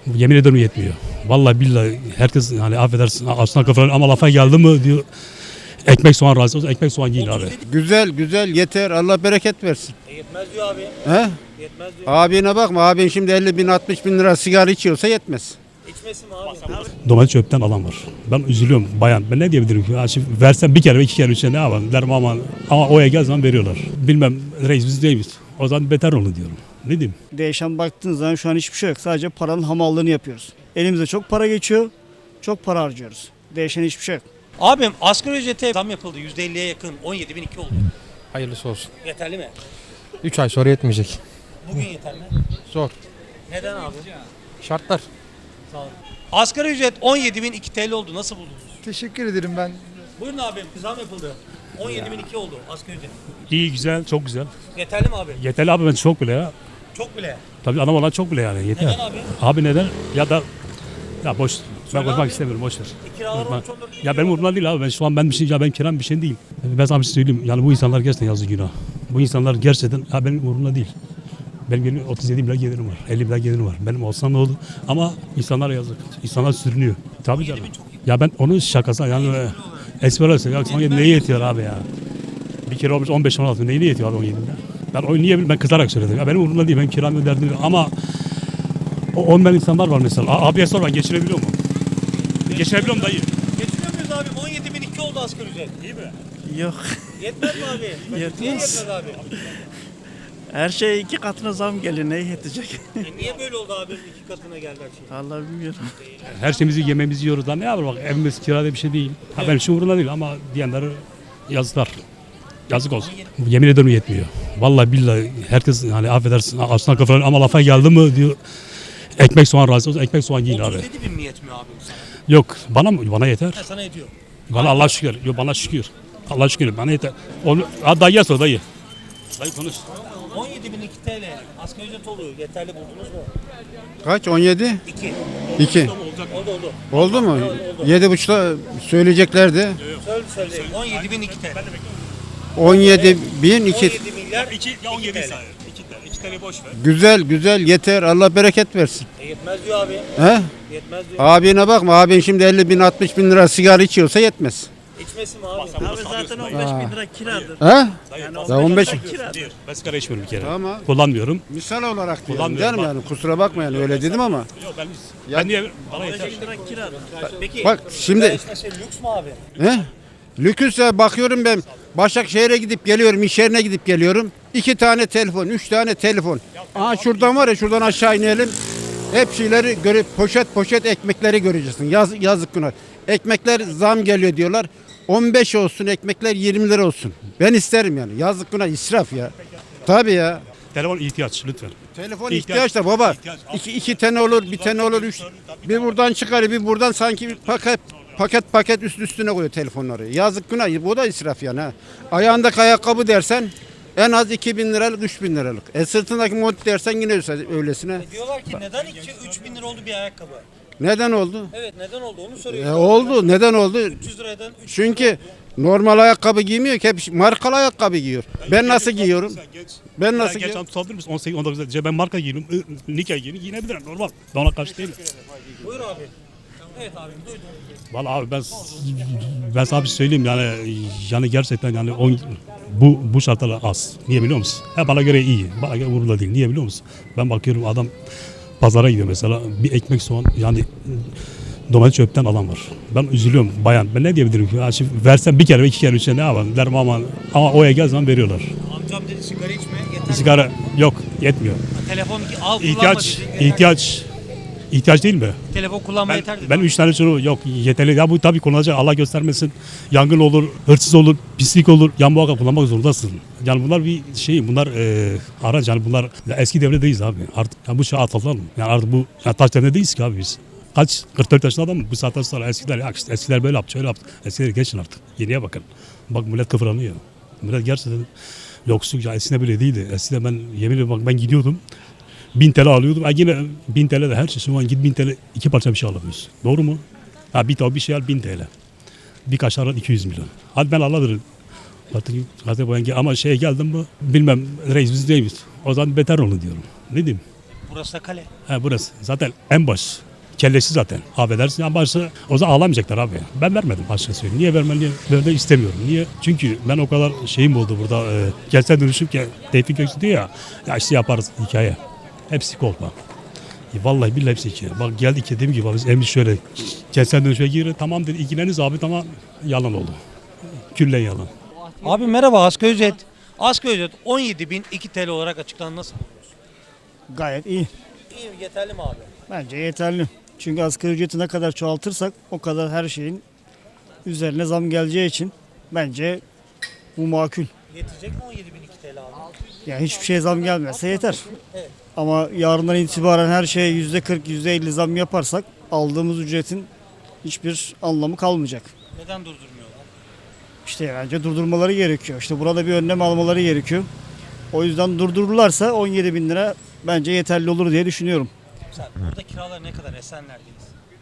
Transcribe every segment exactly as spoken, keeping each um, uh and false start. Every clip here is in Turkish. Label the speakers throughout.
Speaker 1: Yemin ederim yetmiyor. Vallahi billahi herkes hani affedersin aslan kafaları ama lafa geldi mi diyor. Ekmek soğan razı olsun. Ekmek soğan yiyin abi.
Speaker 2: Güzel güzel yeter, Allah bereket versin.
Speaker 3: E yetmez diyor abi.
Speaker 2: He?
Speaker 3: Yetmez diyor.
Speaker 2: Abine bakma, abin şimdi elli bin altmış bin lira sigara içiyorsa yetmez.
Speaker 3: İçmesin mi abi?
Speaker 1: Domates çöpten alan var. Ben üzülüyorum bayan. Ben ne diyebilirim ki? Ya şimdi versem bir kere iki kere üçe ne yapalım derim ama ama oya gel zaman veriyorlar. Bilmem reis biz değil miyiz? O zaman beter olun diyorum. Ne diyeyim?
Speaker 4: Değişen baktığınız zaman şu an hiçbir şey yok. Sadece paranın hamallığını yapıyoruz. Elimize çok para geçiyor, çok para harcıyoruz. Değişen hiçbir şey yok.
Speaker 3: Abim asgari ücrete zam yapıldı. yüzde elliye yakın. on yedi bin iki oldu.
Speaker 5: Hayırlısı olsun.
Speaker 3: Yeterli mi?
Speaker 5: üç ay sonra yetmeyecek.
Speaker 3: Bugün yeter mi?
Speaker 5: Zor.
Speaker 3: Neden abi?
Speaker 5: Şartlar.
Speaker 3: Sağ olun. Asgari ücret on yedi bin iki T L oldu. Nasıl buldunuz?
Speaker 5: Teşekkür ederim ben.
Speaker 3: Buyurun abim. Zam yapıldı. on yedi bin iki oldu asgari ücret.
Speaker 1: İyi güzel çok güzel.
Speaker 3: Yeterli mi abi?
Speaker 1: Yeterli abi ben çok bile ya.
Speaker 3: Çok bile.
Speaker 1: Tabii anam olan çok bile yani yeter.
Speaker 3: Neden abi?
Speaker 1: Abi neden? Ya da ya boş. Ben
Speaker 3: Söyle
Speaker 1: konuşmak
Speaker 3: abi.
Speaker 1: istemiyorum boş ver.
Speaker 3: E, kiralar
Speaker 1: Ben-
Speaker 3: olmuş on dört bin
Speaker 1: Ya benim umurumda değil abi. Ben şu an ben bir şey ya benim kiram bir şey değil. Ben sana bir şey söyleyeyim. Yani bu insanlar gerçekten yazık günah. Bu insanlar gerçekten ha benim umurumda değil. Benim benim otuz yedi milyar gelirim var. elli milyar gelirim var. Benim olsam ne olur? Ama insanlara yazık. İnsanlar sürünüyor. Tabii canım. Ya ben onun şakası yani e, espri olsun. Ya on yedi neye yetiyor abi ya? Bir kere olmuş on beş on altı neyine yetiyor abi on yedi? Ben o niye ben kızarak söyledim. Ya benim umurumda değil. Benim kiram öderdim değil. Ama o on insanlar var mesela. A- Abiye sor ben geçirebiliyor mu? Geçirebiliyor mu dayı?
Speaker 3: Geçiniyor muyuz abi? on yedi bin iki oldu asgari ücret. İyi mi?
Speaker 4: Yok.
Speaker 3: Yetmez mi abi? Niye
Speaker 4: Yetmez.
Speaker 3: yetmez abi?
Speaker 4: Her şey iki katına zam geliyor. Neye yetecek?
Speaker 3: E niye böyle oldu abi? İki katına geldi her şey.
Speaker 4: Vallahi bilmiyorum.
Speaker 1: Her şeyimizi yememizi yiyoruz da ne yapalım bak evimiz kirada bir şey değil. Ha benim için umurumda değil ama diyenler yazıklar. Yazık olsun. Yemin ederim yetmiyor. Vallahi billahi herkes hani affedersin aslan kafaları ama lafa geldi mi diyor. Ekmek soğan razı olsun. Ekmek soğan yiyin abi.
Speaker 3: otuz yedi bin mi yetmiyor abi sana?
Speaker 1: Yok bana mı? Bana yeter.
Speaker 3: Ha, sana yetiyor.
Speaker 1: Bana Allah şükür. Yok bana şükür. Allah şükür bana yeter. Onu ha, dayıya sor dayı. Dayı konuş.
Speaker 3: on yedi bin iki T L asgari ücret oluyor. Yeterli buldunuz mu?
Speaker 2: Kaç? on yedi?
Speaker 3: iki.
Speaker 2: iki.
Speaker 3: Oldu oldu.
Speaker 2: Oldu mu? yedi buçukta söyleyeceklerdi.
Speaker 3: Söyle söyle. on yedi bin iki T L.
Speaker 2: on yedi bin
Speaker 3: on
Speaker 2: iki.
Speaker 3: yedi milyar
Speaker 1: iki
Speaker 3: ya on yedi
Speaker 1: iki iki tane boş ver.
Speaker 2: Güzel güzel yeter, Allah bereket versin.
Speaker 3: E yetmez diyor abi.
Speaker 2: He?
Speaker 3: Yetmez diyor.
Speaker 2: Abine bakma, abin şimdi elli bin altmış bin lira sigara içiyorsa yetmez.
Speaker 3: İçmesin mi abi?
Speaker 4: Abi zaten on beş bin lira kiradır.
Speaker 2: He?
Speaker 4: Yani
Speaker 2: Ya on beş
Speaker 4: kiradır.
Speaker 1: Ben sigara içmiyorum bir kere.
Speaker 2: Tamam.
Speaker 1: Kullanmıyorum.
Speaker 2: Misal olarak diyorum
Speaker 1: Kullanmıyorum,
Speaker 2: değil mi yani? Kusura bakma yani öyle dedim ama.
Speaker 1: Yok ben, ben niye bana yeter.
Speaker 4: lira kiradır.
Speaker 3: Peki.
Speaker 2: Bak şimdi
Speaker 3: işte şey lüks mü abi?
Speaker 2: he? Lüküse bakıyorum ben Başakşehir'e gidip geliyorum, iş yerine gidip geliyorum. İki tane telefon, üç tane telefon. Aha şuradan var ya şuradan aşağı inelim. Hep şeyleri görüp poşet poşet ekmekleri göreceksin. Yaz, yazık günah. Ekmekler zam geliyor diyorlar. on beş olsun ekmekler yirmi lira olsun. Ben isterim yani. Yazık günah israf ya. Tabii ya.
Speaker 1: Telefon ihtiyaç lütfen.
Speaker 2: Telefon
Speaker 1: İhtiyaç.
Speaker 2: ihtiyaç da baba.
Speaker 1: İhtiyaç.
Speaker 2: İki, iki tane olur, bir tane olur, üç. Bir buradan çıkar, bir buradan sanki bir paket paket paket üst üstüne koyuyor telefonları. Yazık günah. Bu da israf yani. Ha. Ayağındaki ayakkabı dersen en az iki bin liralık, üç bin liralık. E sırtındaki mont dersen yine öylesine.
Speaker 3: E diyorlar ki neden iki üç bin lira oldu bir ayakkabı?
Speaker 2: Neden oldu?
Speaker 3: Evet neden oldu onu
Speaker 2: E
Speaker 3: soruyoruz.
Speaker 2: oldu. Neden oldu?
Speaker 3: üç yüz liradan üç yüz
Speaker 2: Çünkü normal ayakkabı giymiyor ki hep markalı ayakkabı giyiyor. Ben nasıl giyiyorum? Ben nasıl
Speaker 1: Geç
Speaker 2: giyiyorum?
Speaker 1: tutabilir misin? on sekiz on dokuzda ben marka giyiyorum. Nikah giyiyorum. Giyinebilirim normal. Ben ona karşı değilim.
Speaker 3: Buyur abi. Evet abi duydum.
Speaker 1: Vallahi abi ben ben sana bir şey söyleyeyim yani yani gerçekten yani on, bu bu şartlar az. Niye biliyor musun? Ha, bana göre iyi. Bana göre umurumda değil. Niye biliyor musun? Ben bakıyorum adam pazara gidiyor mesela bir ekmek soğan yani domates çöpten alan var. Ben üzülüyorum bayan. Ben ne diyebilirim ki? Ya şimdi versem bir kere iki kere üçe ne yapalım derim ama ama oya gel zaman veriyorlar.
Speaker 3: Amcam dedi sigara içme yeter.
Speaker 1: Sigara yok yetmiyor.
Speaker 3: Telefon al kullanma
Speaker 1: İhtiyaç
Speaker 3: dedi. yeter.
Speaker 1: ihtiyaç ihtiyaç değil mi?
Speaker 3: Telefon kullanma
Speaker 1: Ben,
Speaker 3: yeter dedi.
Speaker 1: ben üç tane çocuğu yok yeterli. Ya bu tabii kullanacak Allah göstermesin. Yangın olur, hırsız olur, pislik olur. Yan muhakkak kullanmak zorundasın. Yani bunlar bir şey, bunlar e, araç yani bunlar ya eski devredeyiz abi. Artık ya bu şey atalım. Yani artık bu ya taş devredeyiz ki abi biz. Kaç? kırk dört yaşında adam mı? Bu saatten sonra eskiler ya işte eskiler böyle yaptı, şöyle yaptı. Eskileri geçin artık. Yeniye bakın. Bak millet kıvranıyor. Millet gerçekten yoksul ya eskiden böyle değildi. Eskiden ben yemin ederim bak ben gidiyordum. bin T L alıyordum. Ha yine bin T L de her şey. Şu an git bin T L iki parça bir şey alamıyorsun. Doğru mu? Ha bir tavuk bir şey al bin T L. Bir kaşar al iki yüz milyon. Hadi ben Allah'dır. Artık gazete boyan gel ama şeye geldim mi bilmem reis biz değil miyiz? O zaman beter olun diyorum. Ne diyeyim?
Speaker 3: Burası da kale.
Speaker 1: He burası. Zaten en baş. Kellesi zaten. Affedersin en başı. O zaman ağlamayacaklar abi. Ben vermedim başka söyleyeyim. Niye vermeli? Ben de istemiyorum. Niye? Çünkü ben o kadar şeyim oldu burada. E, kentsel dönüşüm ki Tevfik Göksu diyor ya. Ya işte yaparız hikaye. Hepsi kolpa. E, vallahi billahi hepsi hikaye. Bak geldik dediğim gibi biz emri şöyle. Kentsel dönüşüme girir. Tamam dedi. İlgileniz abi tamam. Yalan oldu. Küllen yalan.
Speaker 3: Abi merhaba, asgari ücret. Asgari ücret on yedi bin iki T L olarak açıklandı. Nasıl buluyorsun?
Speaker 4: Gayet iyi.
Speaker 3: İyi, yeterli mi abi?
Speaker 4: Bence yeterli. Çünkü asgari ücreti ne kadar çoğaltırsak o kadar her şeyin üzerine zam geleceği için bence bu makul.
Speaker 3: Yetecek mi on yedi bin iki T L abi?
Speaker 4: Yani hiçbir şey zam gelmezse yeter. Ama yarından itibaren her şeye yüzde kırk, yüzde elli zam yaparsak aldığımız ücretin hiçbir anlamı kalmayacak.
Speaker 3: Neden durdurmuyorlar?
Speaker 4: İşte bence durdurmaları gerekiyor. İşte burada bir önlem almaları gerekiyor. O yüzden durdururlarsa on yedi bin lira bence yeterli olur diye düşünüyorum.
Speaker 3: Güzel. Burada kiralar ne kadar? Esenler'deyiz.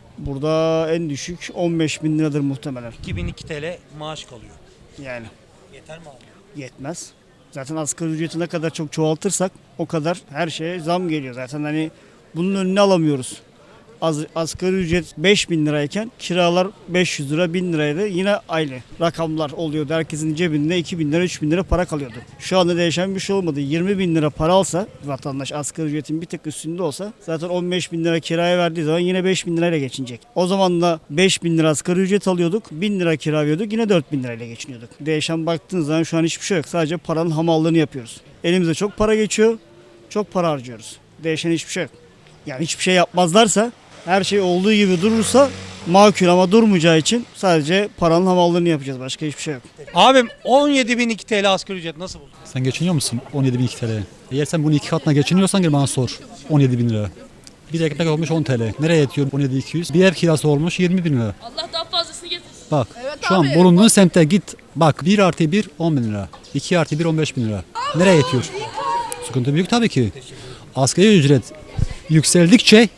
Speaker 4: Burada en düşük on beş bin liradır muhtemelen.
Speaker 3: iki bin iki T L maaş kalıyor.
Speaker 4: Yani
Speaker 3: Yeter mi abi?
Speaker 4: yetmez. Zaten asgari ücreti ne kadar çok çoğaltırsak o kadar her şeye zam geliyor. Zaten hani bunun önüne alamıyoruz. Az, asgari ücret beş bin lirayken kiralar beş yüz lira bin liraydı. Yine aynı rakamlar oluyordu. Herkesin cebinde iki bin lira üç bin lira para kalıyordu. Şu anda değişen bir şey olmadı. yirmi bin lira para alsa vatandaş asgari ücretin bir tık üstünde olsa zaten on beş bin lira kiraya verdiği zaman yine beş bin lirayla geçinecek. O zaman da beş bin lira asgari ücret alıyorduk. bin lira kira veriyorduk. Yine dört bin lirayla geçiniyorduk. Değişen baktığınız zaman şu an hiçbir şey yok. Sadece paranın hamallığını yapıyoruz. Elimize çok para geçiyor. Çok para harcıyoruz. Değişen hiçbir şey yok. Yani hiçbir şey yapmazlarsa her şey olduğu gibi durursa makul ama durmayacağı için sadece paranın hamallığını yapacağız. Başka hiçbir şey yok.
Speaker 3: Abim on yedi bin iki T L asgari ücret nasıl buldun?
Speaker 6: Sen geçiniyor musun on yedi bin iki T L? Eğer sen bunu iki katına geçiniyorsan gel bana sor. on yedi bin lira. Bir ekmek olmuş on T L. Nereye yetiyor on yedi bin iki yüz? Bir ev kirası olmuş yirmi bin lira.
Speaker 7: Allah daha fazlasını getirsin.
Speaker 6: Bak şu an bulunduğun semte git. Bak bir artı bir on bin lira. iki artı bir on beş bin lira. Nereye yetiyor? Sıkıntı büyük tabii ki. Asgari ücret yükseldikçe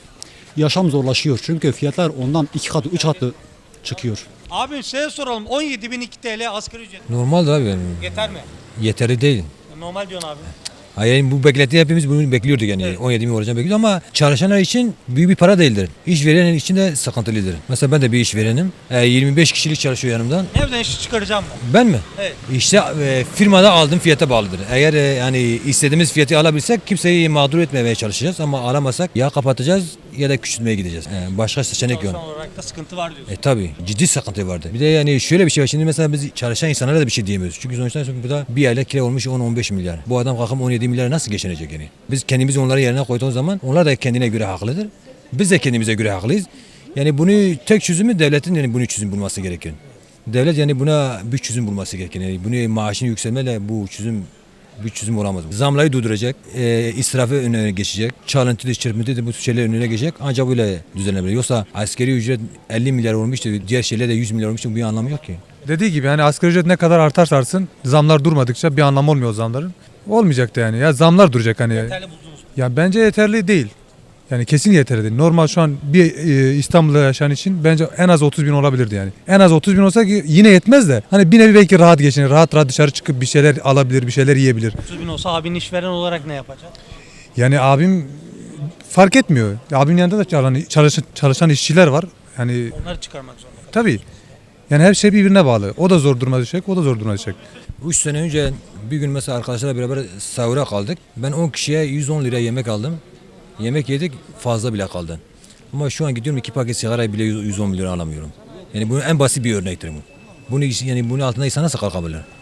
Speaker 6: yaşam zorlaşıyor. Çünkü fiyatlar ondan iki katı üç katı çıkıyor.
Speaker 3: Abim size soralım, on yedi bin iki T L asgari ücret
Speaker 8: Normaldir abi yani.
Speaker 3: yeter mi?
Speaker 8: Yeterli değil.
Speaker 3: Normal diyorsun abi.
Speaker 8: Hayır yani bu beklenti hepimiz bunu bekliyorduk yani.
Speaker 3: Evet.
Speaker 8: on yedi bin olacağını bekliyorduk ama çalışanlar için büyük bir para değildir. İşveren için de sıkıntılıdır. Mesela ben de bir işverenim. E, yirmi beş kişilik çalışıyor yanımdan.
Speaker 3: Evden işi çıkaracağım mı?
Speaker 8: Ben mi?
Speaker 3: Evet.
Speaker 8: İşte e, firmada aldığım fiyata bağlıdır. Eğer e, yani istediğimiz fiyatı alabilsek kimseyi mağdur etmemeye çalışacağız ama alamazsak ya kapatacağız ya da küçültmeye gideceğiz. E, başka seçenek yok.
Speaker 3: Çalışan olarak da sıkıntı var diyorsun.
Speaker 8: E tabi ciddi sıkıntı vardı. Bir de yani şöyle bir şey var. Şimdi mesela biz çalışan insanlara da bir şey diyemiyoruz. Çünkü sonuçta burada bir aylık kira olmuş on on beş milyar. Bu adam kalkıp on yedi milyar nasıl geçinecek yani? Biz kendimizi onların yerine koyduğumuz zaman onlar da kendine göre haklıdır. Biz de kendimize göre haklıyız. Yani bunu tek çözümü devletin yani bunu çözüm bulması gerekiyor. Devlet yani buna bir çözüm bulması gerekiyor. Yani bunu maaşını yükselmeyle bu çözüm bir çözüm olamaz. Zamları durduracak, e, israfı önüne geçecek, çalıntı, çırpıntı da bu şeyler önüne geçecek. Ancak böyle düzenlenebilir. Yoksa askeri ücret elli milyar olmuştu, diğer şeyler de yüz milyar olmuştu. Bir anlamı yok ki.
Speaker 5: Dediği gibi yani asgari ücret ne kadar artarsa artsın zamlar durmadıkça bir anlamı olmuyor o zamların. Olmayacak da yani. Ya zamlar duracak hani.
Speaker 3: Yeterli buldunuz mu?
Speaker 5: Ya bence yeterli değil. Yani kesin yeterli değil. Normal şu an bir e, İstanbul'da yaşayan için bence en az otuz bin olabilirdi yani. En az otuz bin olsa ki yine yetmez de. Hani bir nevi belki rahat geçinir. Rahat rahat dışarı çıkıp bir şeyler alabilir, bir şeyler yiyebilir.
Speaker 3: otuz bin olsa abinin işveren olarak ne yapacak?
Speaker 5: Yani abim fark etmiyor. Abimin yanında da çalışan, çalışan, çalışan işçiler var. Yani
Speaker 3: Onları çıkarmak zorunda.
Speaker 5: tabii. Yani her şey birbirine bağlı. O da zor duruma düşecek, o da zor duruma düşecek.
Speaker 8: üç sene önce bir gün mesela arkadaşlarla beraber sahura kaldık. Ben on kişiye yüz on lira yemek aldım. Yemek yedik fazla bile kaldı. Ama şu an gidiyorum iki paket sigara bile yüz on lira alamıyorum. Yani bunun en basit bir örnektir bu. Bunu yani bunun altında insan nasıl kalkabilir?